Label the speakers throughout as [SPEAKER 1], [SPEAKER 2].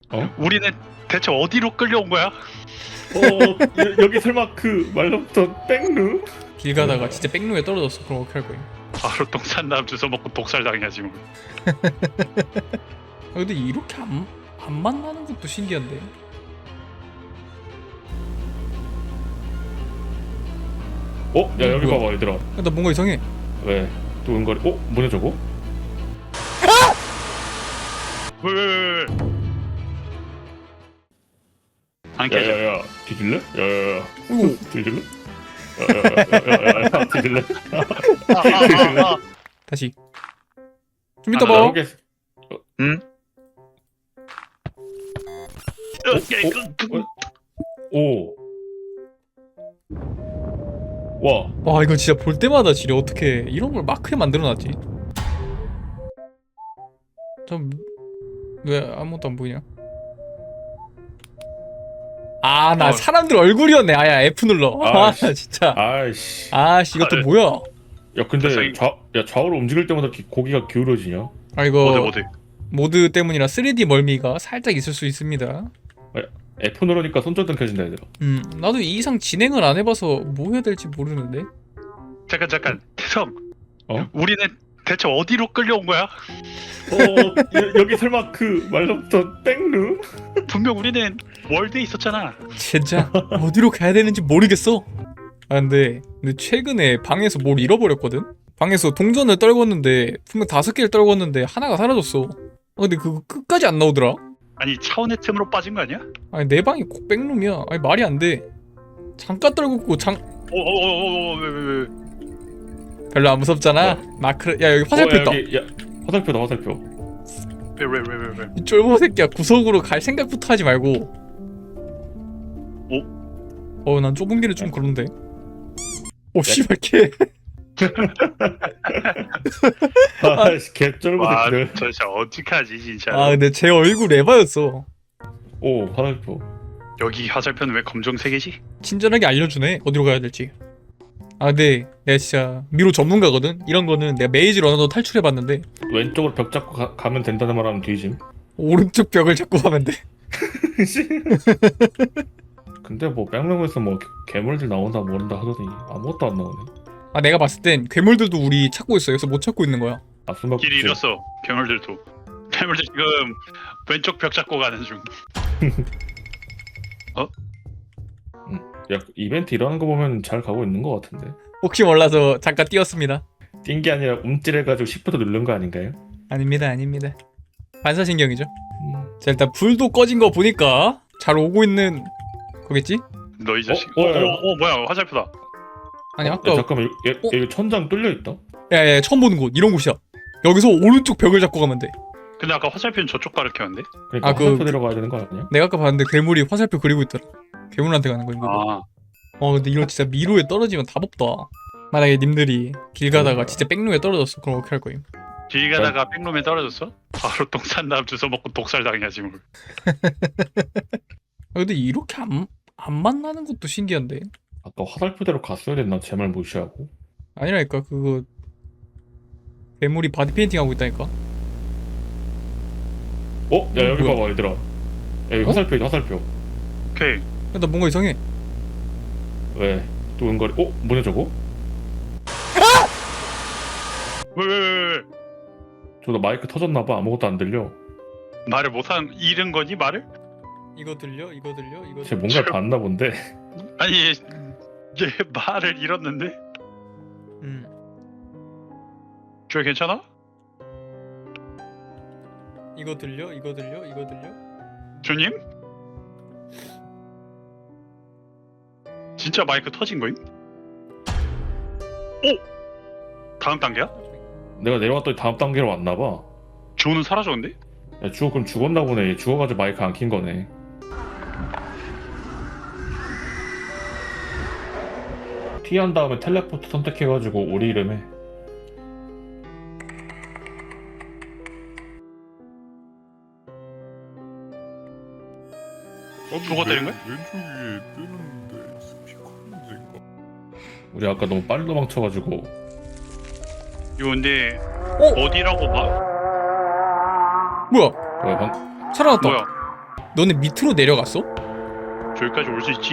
[SPEAKER 1] 우리는 대체 어디로 끌려온 거야?
[SPEAKER 2] 여기 설마 그 말로부터 백루?
[SPEAKER 3] 길 가다가 진짜 백루에 떨어졌어. 그럼 어떻게 할 거임?
[SPEAKER 1] 바로 똥산남 주워 먹고 독살 당해야지 뭐.
[SPEAKER 3] 근데 이렇게 안 만나는 것도 신기한데.
[SPEAKER 2] 야 여기
[SPEAKER 3] 뭐야?
[SPEAKER 2] 봐봐 얘들아.
[SPEAKER 3] 나 뭔가 이상해.
[SPEAKER 2] 왜? 또 은거리? 뭐냐 저거?
[SPEAKER 1] 왜? 안 깨져.
[SPEAKER 2] 야야야 뒤질래? 야야야
[SPEAKER 3] 오.
[SPEAKER 2] 뒤질래? 야야야야 뒤질래?
[SPEAKER 3] 다시. 좀 이따
[SPEAKER 1] 아,
[SPEAKER 3] 봐.
[SPEAKER 2] 여기
[SPEAKER 1] 응?
[SPEAKER 2] 오. 와.
[SPEAKER 3] 와 이거 진짜 볼 때마다 지려. 어떻게 이런 걸 마크에 만들어놨지? 왜 아무것도 안 보이냐? 아 나 사람들 얼굴이었네. 아야 F 눌러.
[SPEAKER 2] 아이씨.
[SPEAKER 3] 진짜.
[SPEAKER 2] 아이씨.
[SPEAKER 3] 아씨 이것도
[SPEAKER 1] 아,
[SPEAKER 3] 뭐야?
[SPEAKER 2] 야 근데
[SPEAKER 1] 저기-
[SPEAKER 2] 좌우로 움직일 때마다 이렇게 고기가 기울어지냐?
[SPEAKER 3] 아 이거
[SPEAKER 1] 어디?
[SPEAKER 3] 모드 때문이라 3D 멀미가 살짝 있을 수 있습니다.
[SPEAKER 2] F 누르니까 손전등 켜진다 얘들아.
[SPEAKER 3] 나도 이 이상 진행을 안 해봐서 뭐 해야 될지 모르는데.
[SPEAKER 1] 잠깐 태성.
[SPEAKER 2] 어?
[SPEAKER 1] 우리는 대체 어디로 끌려온 거야?
[SPEAKER 2] 여기 설마 그 말로부터 백루?
[SPEAKER 1] 분명 우리는 월드에 있었잖아.
[SPEAKER 3] 진짜 어디로 가야 되는지 모르겠어. 아 근데 최근에 방에서 뭘 잃어버렸거든? 방에서 동전을 떨궜는데 분명 5개를 떨궜는데 하나가 사라졌어. 근데 그거 끝까지 안 나오더라.
[SPEAKER 1] 아니 차원의 틈으로 빠진 거 아니야?
[SPEAKER 3] 아니 내 방이 꼭 백룸이야. 아니 말이 안 돼. 잠깐 떨궜고
[SPEAKER 1] 왜?
[SPEAKER 3] 별로 안 무섭잖아. 마크 야 여기 화살표 있다.
[SPEAKER 2] 야 화살표다 화살표.
[SPEAKER 1] 왜?
[SPEAKER 3] 이 쫄보 새끼야 구석으로 갈 생각부터 하지 말고. 난 좁은 길은 좀 그런데. 오 씨발 개.
[SPEAKER 2] 아이씨 개쩔보
[SPEAKER 1] 와,
[SPEAKER 2] 새끼들.
[SPEAKER 1] 저 진짜 어떡하지 진짜.
[SPEAKER 3] 아 근데 제 얼굴 에바였어.
[SPEAKER 2] 오 화살표.
[SPEAKER 1] 여기 화살표는 왜 검정색이지?
[SPEAKER 3] 친절하게 알려주네 어디로 가야 될지. 아 근데 내가 진짜 미로 전문가거든. 이런 거는 내가 메이지 러너도 탈출해봤는데
[SPEAKER 2] 왼쪽으로 벽 잡고 가면 된다는 말하면 뒤짐.
[SPEAKER 3] 오른쪽 벽을 잡고 가면 돼.
[SPEAKER 2] 근데 뭐 백룸에서 뭐 괴물들 나온다 모른다 하더니 아무것도 안 나오네.
[SPEAKER 3] 아 내가 봤을 땐 괴물들도 우리 찾고 있어. 여기서 못 찾고 있는 거야.
[SPEAKER 2] 아 숨바꼭질.
[SPEAKER 1] 길 잃었어. 괴물들도. 괴물들 지금 왼쪽 벽 잡고 가는 중.
[SPEAKER 2] 야 이벤트 일어나는 거 보면 잘 가고 있는 거 같은데.
[SPEAKER 3] 혹시 몰라서 잠깐 띄웠습니다.
[SPEAKER 2] 뛴 게 아니라 움찔해가지고 시프트 누른 거 아닌가요?
[SPEAKER 3] 아닙니다. 반사신경이죠. 자 일단 불도 꺼진 거 보니까 잘 오고 있는 거겠지?
[SPEAKER 1] 너 이 자식.
[SPEAKER 2] 야.
[SPEAKER 1] 뭐야 화살표다.
[SPEAKER 3] 아니
[SPEAKER 2] 야,
[SPEAKER 3] 아까
[SPEAKER 2] 잠깐만 여기 천장 뚫려 있다.
[SPEAKER 3] 야야 처음 보는 곳 이런 곳이야. 여기서 오른쪽 벽을 잡고 가면 돼.
[SPEAKER 1] 근데 아까 화살표는 저쪽 가르쳤는데?
[SPEAKER 2] 그러니까
[SPEAKER 3] 아, 그-
[SPEAKER 2] 화살표 데려가야 되는 거 아니야?
[SPEAKER 3] 내가 아까 봤는데 괴물이 화살표 그리고 있더라. 괴물한테 가는 거인 거. 근데 이거 진짜 미로에 떨어지면 답 없다. 만약에 님들이 길 가다가 진짜 백루에 떨어졌어. 그럼 어떻게 할 거임?
[SPEAKER 1] 길 가다가 백룸에 떨어졌어? 바로 똥산남 주워 먹고 독살 당해야지 뭐.
[SPEAKER 3] 근데 이렇게 안 만나는 것도 신기한데.
[SPEAKER 2] 아까 화살표대로 갔어야 됐나? 제 말 무시하고.
[SPEAKER 3] 아니라니까 그거 괴물이 바디 페인팅 하고 있다니까.
[SPEAKER 2] 야 여기
[SPEAKER 3] 뭐야?
[SPEAKER 2] 봐봐 얘들아. 야, 여기 화살표 있다 화살표.
[SPEAKER 1] 오케이.
[SPEAKER 3] 야, 나 뭔가 이상해.
[SPEAKER 2] 왜? 또 은거리? 뭐냐 저거?
[SPEAKER 1] 왜?
[SPEAKER 2] 저거 마이크 터졌나봐. 아무것도 안 들려.
[SPEAKER 1] 말을 못한 잃은 거니 말을?
[SPEAKER 3] 이거 들려? 이거
[SPEAKER 2] 쟤 뭔가 봤나 본데.
[SPEAKER 1] 아니 얘 말을 잃었는데? 저 괜찮아?
[SPEAKER 3] 이거 들려?
[SPEAKER 1] 주님? 진짜 마이크 터진 거임? 다음 단계야?
[SPEAKER 2] 내가 내려갔더니 다음 단계로 왔나봐.
[SPEAKER 1] 주호는 사라졌는데?
[SPEAKER 2] 야 주호 그럼 죽었나 보네. 얘 죽어가지고 마이크 안 킨 거네. 피한 다음에 텔레포트 선택해가지고 우리 이름에.
[SPEAKER 1] 죽어 때린 거야?
[SPEAKER 4] 왼쪽에 뜨는데 스피커 문제인가?
[SPEAKER 2] 우리 아까 너무 빨리 도망쳐가지고.
[SPEAKER 1] 이거 근데
[SPEAKER 3] 어?
[SPEAKER 1] 어디라고 봐?
[SPEAKER 3] 뭐야?
[SPEAKER 2] 뭐야
[SPEAKER 3] 살아났다.
[SPEAKER 1] 뭐야?
[SPEAKER 3] 너네 밑으로 내려갔어?
[SPEAKER 1] 저기까지 올 수 있지.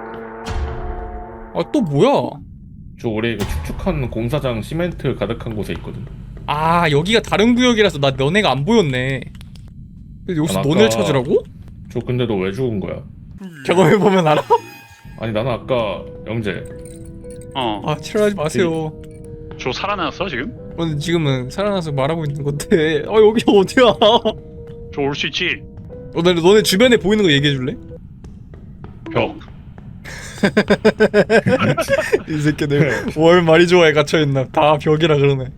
[SPEAKER 3] 아 또 뭐야?
[SPEAKER 2] 저 올해 이거 축축한 공사장 시멘트 가득한 곳에 있거든.
[SPEAKER 3] 아 여기가 다른 구역이라서 나 너네가 안 보였네. 근데 여기서
[SPEAKER 2] 아,
[SPEAKER 3] 너네를
[SPEAKER 2] 아까-
[SPEAKER 3] 찾으라고?
[SPEAKER 2] 저 근데 너 왜 죽은 거야?
[SPEAKER 3] 경험해보면 알아?
[SPEAKER 2] 아니 나는 아까 영재
[SPEAKER 1] 어.
[SPEAKER 3] 아 싫어하지 마세요.
[SPEAKER 1] 저 살아났어 지금?
[SPEAKER 3] 오늘 지금은 살아나서 말하고 있는 건데 여기 어디야?
[SPEAKER 1] 저 올 수 있지.
[SPEAKER 3] 너네 주변에 보이는 거 얘기해줄래?
[SPEAKER 1] 벽.
[SPEAKER 3] 이 새끼들 월 말이 좋아해 갇혀있나. 다 벽이라 그러네.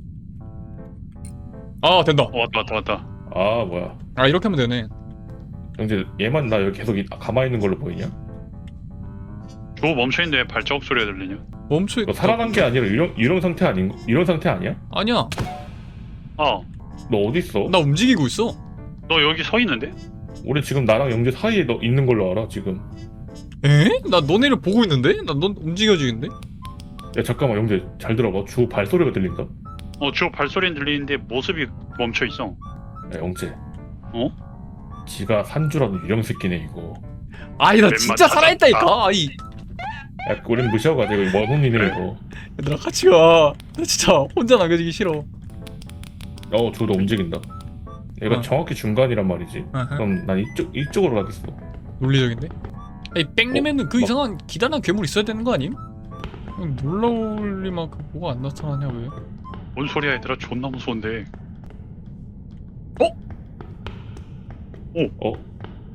[SPEAKER 3] 아 된다.
[SPEAKER 1] 왔다.
[SPEAKER 2] 아 뭐야
[SPEAKER 3] 아 이렇게 하면 되네.
[SPEAKER 2] 영재 얘만 나 여기 계속 가만히 있는 걸로 보이냐?
[SPEAKER 1] 저 멈춰있는데 왜 발자국 소리가 들리냐?
[SPEAKER 3] 멈춰.
[SPEAKER 2] 너 살아난 게 아니라 이런 상태 아닌 이런 상태 아니야?
[SPEAKER 3] 아니야.
[SPEAKER 1] 어.
[SPEAKER 2] 너 어디 있어?
[SPEAKER 3] 나 움직이고 있어.
[SPEAKER 1] 너 여기 서 있는데?
[SPEAKER 2] 우리 지금 나랑 영재 사이에 너 있는 걸로 알아 지금.
[SPEAKER 3] 에? 나 너네를 보고 있는데? 나 넌 움직여지는데?
[SPEAKER 2] 야 잠깐만 영재 잘 들어봐. 주 발소리가 들린다.
[SPEAKER 1] 저 발소리는 들리는데 모습이 멈춰있어.
[SPEAKER 2] 야 영재.
[SPEAKER 1] 어?
[SPEAKER 2] 지가 산주라는 유령 새끼네 이거.
[SPEAKER 3] 아니 나
[SPEAKER 1] 웬만
[SPEAKER 3] 진짜
[SPEAKER 1] 찾았다.
[SPEAKER 3] 살아있다니까. 아이
[SPEAKER 2] 야 우린 무시하고 가자. 이거 먼 혼이네
[SPEAKER 1] 그래.
[SPEAKER 2] 이거.
[SPEAKER 3] 얘들아 같이 가. 나 진짜 혼자 남겨지기 싫어.
[SPEAKER 2] 저도 움직인다. 얘가 정확히 중간이란 말이지.
[SPEAKER 3] 아하.
[SPEAKER 2] 그럼 난 이쪽으로 가겠어.
[SPEAKER 3] 논리적인데? 아니 백림에는 그
[SPEAKER 2] 막-
[SPEAKER 3] 이상한 기다란 괴물 있어야 되는 거 아님? 놀라울 리만큼 뭐가 안 나타나냐 왜?
[SPEAKER 1] 뭔 소리야 얘들아. 존나 무서운데.
[SPEAKER 2] 어?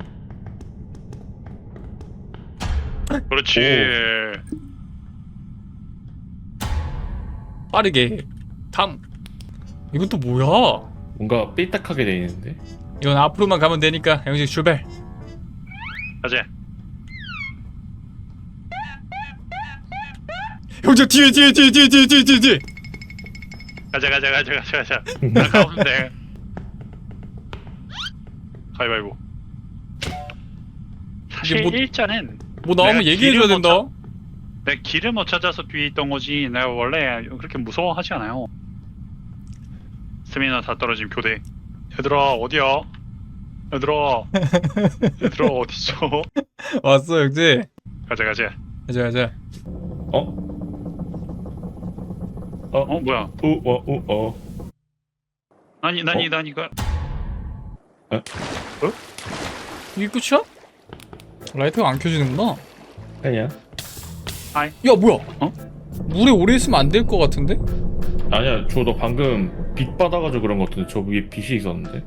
[SPEAKER 1] 그렇지.
[SPEAKER 3] 빠르게 다음. 이건 또 뭐야?
[SPEAKER 2] 뭔가 삐딱하게 돼 있는데.
[SPEAKER 3] 이건 앞으로만 가면 되니까 영식 출발.
[SPEAKER 1] 가자.
[SPEAKER 3] 형제 뒤에
[SPEAKER 1] 가자. 나 가면 돼. 가위바위보. 사실
[SPEAKER 3] 이게 뭐-
[SPEAKER 1] 일자는
[SPEAKER 3] 뭐 나오면
[SPEAKER 1] 내가
[SPEAKER 3] 얘기해줘야
[SPEAKER 1] 길을
[SPEAKER 3] 된다.
[SPEAKER 1] 내가 길을 못 찾아서 뒤에 있던 거지. 내가 원래 그렇게 무서워하지 않아요. 스미나 다 떨어진 교대. 얘들아 어디야? 얘들아 어딨어?
[SPEAKER 3] 왔어 형제.
[SPEAKER 1] 가자.
[SPEAKER 3] 가자.
[SPEAKER 1] 뭐야?
[SPEAKER 2] 우어.
[SPEAKER 1] 나니가
[SPEAKER 3] 이게 끝이야? 라이트가 안 켜지는구나.
[SPEAKER 2] 아니야.
[SPEAKER 3] 야 뭐야? 물에 오래 있으면 안 될 것 같은데?
[SPEAKER 2] 아니야. 너 방금 빛 받아가지고 그런 거 같은데 저 위에 빛이 있었는데.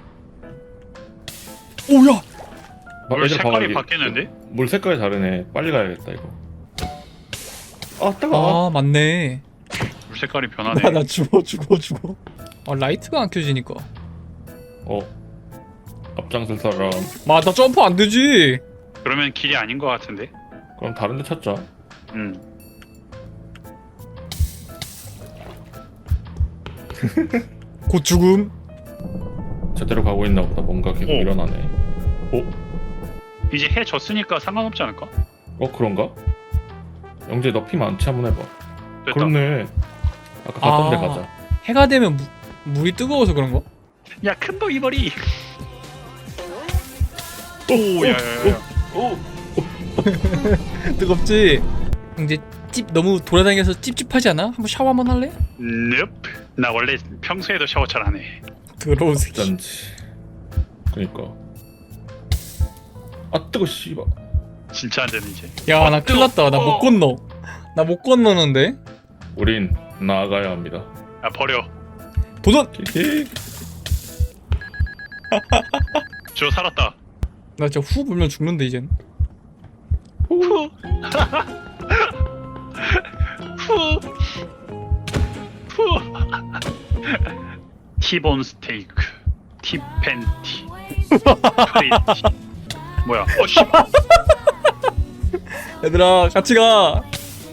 [SPEAKER 3] 오야!
[SPEAKER 1] 물
[SPEAKER 2] 얘들아, 봐봐,
[SPEAKER 1] 색깔이
[SPEAKER 2] 여기.
[SPEAKER 1] 바뀌는데?
[SPEAKER 2] 물 색깔이 다르네. 빨리 가야겠다 이거. 아 뜨거워.
[SPEAKER 3] 아 맞네.
[SPEAKER 1] 물 색깔이 변하네.
[SPEAKER 3] 나 죽어. 아 라이트가 안 켜지니까.
[SPEAKER 2] 앞장설 사람.
[SPEAKER 3] 나 점프 안 되지.
[SPEAKER 1] 그러면 길이 아닌 것 같은데?
[SPEAKER 2] 그럼 다른 데 찾자.
[SPEAKER 3] 곧 죽음.
[SPEAKER 2] 제대로 가고 있나 보다. 뭔가 계속
[SPEAKER 1] 오.
[SPEAKER 2] 일어나네.
[SPEAKER 1] 이제 해 졌으니까 상관없지 않을까?
[SPEAKER 2] 그런가? 영재 너 피 많지? 한번 해봐.
[SPEAKER 1] 됐다.
[SPEAKER 2] 그렇네. 아까 갔던 데
[SPEAKER 3] 아.
[SPEAKER 2] 가자.
[SPEAKER 3] 해가 되면 물이 뜨거워서 그런 거?
[SPEAKER 1] 야 큰도 이 머리. 오, 야야야.
[SPEAKER 2] 오.
[SPEAKER 3] 뜨겁지? 이제 찝 너무 돌아다니면서 찝찝하지 않아? 한번 샤워 한번 할래?
[SPEAKER 1] Nope. 나 원래 평소에도 샤워 잘 안 해.
[SPEAKER 3] 더러운 새끼.
[SPEAKER 2] 짠지. 그니까. 아 뜨거 씨발.
[SPEAKER 1] 진짜 안 되는 이제.
[SPEAKER 3] 야 나 큰일 났다. 나 못 건너. 나 못 건너는데?
[SPEAKER 2] 우린 나아가야 합니다.
[SPEAKER 1] 야 버려.
[SPEAKER 3] 도전!
[SPEAKER 1] 저 살았다.
[SPEAKER 3] 나 진짜 후 불면 죽는데 이젠.
[SPEAKER 1] 후. 후. 후. 티본 스테이크. 티팬티. 크리티. 뭐야? 씨.
[SPEAKER 3] 얘들아 같이 가.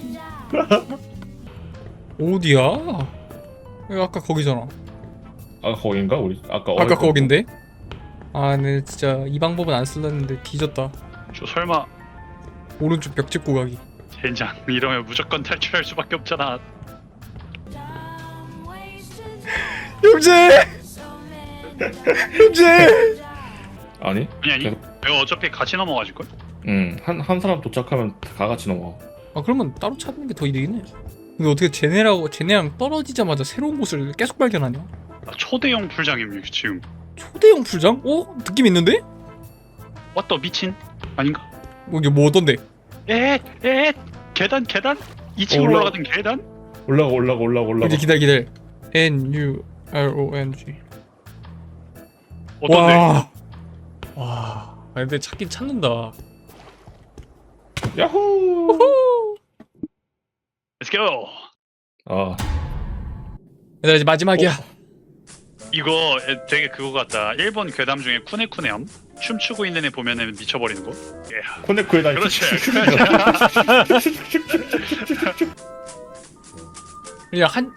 [SPEAKER 3] 어디야? 여기 아까 거기잖아.
[SPEAKER 2] 아 거긴가? 우리 아까
[SPEAKER 3] 아까 거긴데? 아 근데 진짜 이 방법은 안 쓸랬는데 뒤졌다.
[SPEAKER 1] 저 설마
[SPEAKER 3] 오른쪽 벽 짚고 가기.
[SPEAKER 1] 젠장 이러면 무조건 탈출할 수밖에 없잖아.
[SPEAKER 3] 형제! 형제!
[SPEAKER 2] 아니?
[SPEAKER 1] 아니
[SPEAKER 2] 계속-
[SPEAKER 1] 내가 어차피 같이 넘어가질 걸.
[SPEAKER 2] 한 사람 도착하면 다 같이 넘어가.
[SPEAKER 3] 아 그러면 따로 찾는 게 더 이득이네. 근데 어떻게 쟤네랑 떨어지자마자 새로운 곳을 계속 발견하냐?
[SPEAKER 1] 초대형 풀장임 지금.
[SPEAKER 3] 초대형 풀장? 어? 느낌 있는데?
[SPEAKER 1] 왔다 미친 아닌가?
[SPEAKER 3] 이게 뭐던데?
[SPEAKER 1] 에 계단 2층으로
[SPEAKER 2] 올라-
[SPEAKER 1] 올라가던 계단?
[SPEAKER 2] 올라가.
[SPEAKER 3] 이제 기다려. NURONG.
[SPEAKER 1] 어떤데?
[SPEAKER 3] 와. 아 근데 찾긴 찾는다.
[SPEAKER 2] 야호.
[SPEAKER 1] Let's go.
[SPEAKER 2] 아,
[SPEAKER 3] 얘들아 이제 마지막이야.
[SPEAKER 1] 이거 되게 그거 같다. 일본 괴담 중에 쿠네쿠네함 춤추고 있는 애 보면은 미쳐버리는 거. 예.
[SPEAKER 2] 코네코에 다니.
[SPEAKER 1] 그렇지.
[SPEAKER 3] 그냥 한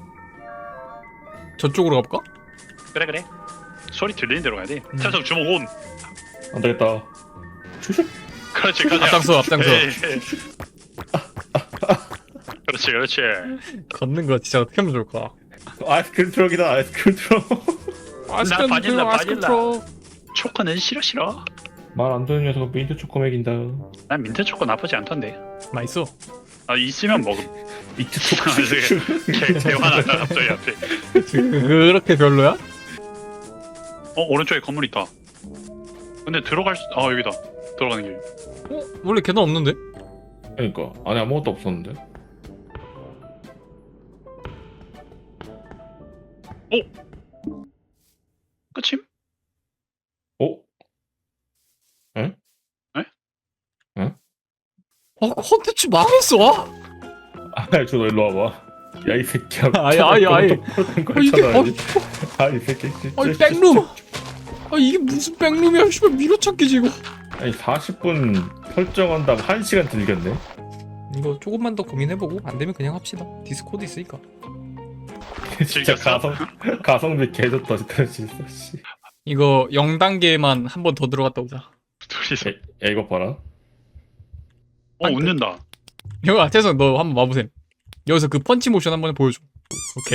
[SPEAKER 3] 저쪽으로 가볼까?
[SPEAKER 1] 그래. 소리 들리는 대로 가야 돼. 찬성 주먹 온.
[SPEAKER 2] 안 되겠다.
[SPEAKER 1] 그렇지 가자.
[SPEAKER 3] 앞장서.
[SPEAKER 1] 에이. 그렇지.
[SPEAKER 3] 걷는 거 진짜 어떻게 하면 좋을까?
[SPEAKER 2] 아이스크림 트럭이다. 아이스크림 트럭.
[SPEAKER 1] 바닐라. 초코는 싫어.
[SPEAKER 2] 말 안 듣는 녀석 민트 초코 먹인다.
[SPEAKER 1] 난 민트 초코 나쁘지 않던데.
[SPEAKER 3] 맛있어.
[SPEAKER 1] 아 있으면 먹음.
[SPEAKER 2] 민트 초코.
[SPEAKER 1] 대화난다 갑자기 앞에.
[SPEAKER 3] 그렇게 별로야?
[SPEAKER 1] 오른쪽에 건물 있다. 근데 들어갈 수... 여기다. 들어가는 길.
[SPEAKER 3] 원래 계단 없는데?
[SPEAKER 2] 그러니까 안에 아무것도 없었는데.
[SPEAKER 1] 끝임?
[SPEAKER 2] 어?
[SPEAKER 3] 컨텐츠 망했어.
[SPEAKER 2] 저 일로 와봐. 야 이 새끼야.
[SPEAKER 3] 아이. 이게
[SPEAKER 2] 아이 새끼.
[SPEAKER 3] 아니 백룸. 아 이게 무슨 백룸이야? 씨발 밀어찾기지 이거.
[SPEAKER 2] 아니 40분 설정한다고 1시간 들겠네.
[SPEAKER 3] 이거 조금만 더 고민해보고 안 되면 그냥 합시다. 디스코드 있으니까.
[SPEAKER 2] 진짜
[SPEAKER 1] 즐겼어?
[SPEAKER 2] 가성비 개좋다 진짜. 씨.
[SPEAKER 3] 이거 0단계만 한 번 더 들어갔다 오자.
[SPEAKER 1] 둘이서.
[SPEAKER 2] 야 이거 봐라.
[SPEAKER 1] 웃는다.
[SPEAKER 3] 이거 태성 너 한번 와보셈. 여기서 그 펀치 모션 한번 보여줘. 오케이.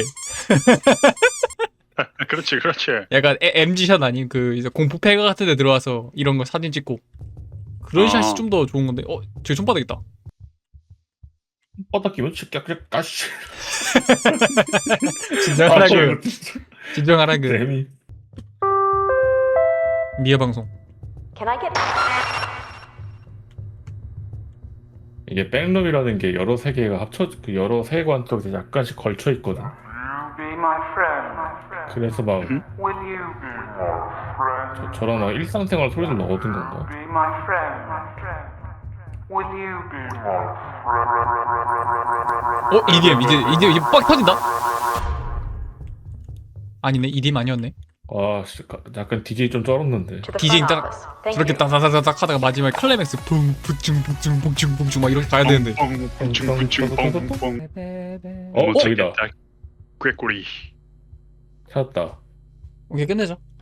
[SPEAKER 1] 그렇지.
[SPEAKER 3] 약간 MG샷 아닌 그 이제 공포 패가 같은 데 들어와서 이런 거 사진 찍고 그런 샷이 좀 더 좋은 건데. 저기 손바닥 있다.
[SPEAKER 2] 뻗다 끼면 그냥 까시.
[SPEAKER 3] 진정하라 그
[SPEAKER 2] 재미.
[SPEAKER 3] 미아 방송.
[SPEAKER 5] Can I get
[SPEAKER 2] 이게 백룸이라는 게 여러 세계가 그 여러 세계관 속에 약간씩 걸쳐 있거든.
[SPEAKER 6] Be my friend.
[SPEAKER 2] 그래서 막
[SPEAKER 6] Will you be my friend?
[SPEAKER 2] 저런 막 일상생활 소리를 넣어둔 건가?
[SPEAKER 6] Be my friend. Will you be my
[SPEAKER 3] EDM 이제 빡 터진다. 아니네 EDM 아니었네.
[SPEAKER 2] 아, 약간 DJ 좀 쩔었는데.
[SPEAKER 5] to the
[SPEAKER 3] DJ
[SPEAKER 5] front
[SPEAKER 3] 딱
[SPEAKER 5] office? Thank
[SPEAKER 3] 저렇게
[SPEAKER 5] you.
[SPEAKER 3] 따다다닥 하다가 마지막에 클라이맥스 붕 북중 막 이렇게 가야 되는데.
[SPEAKER 1] 뻥.
[SPEAKER 2] 저기다.
[SPEAKER 1] 꾀꼬리.
[SPEAKER 2] 찾았다.
[SPEAKER 3] 오케이 끝내자.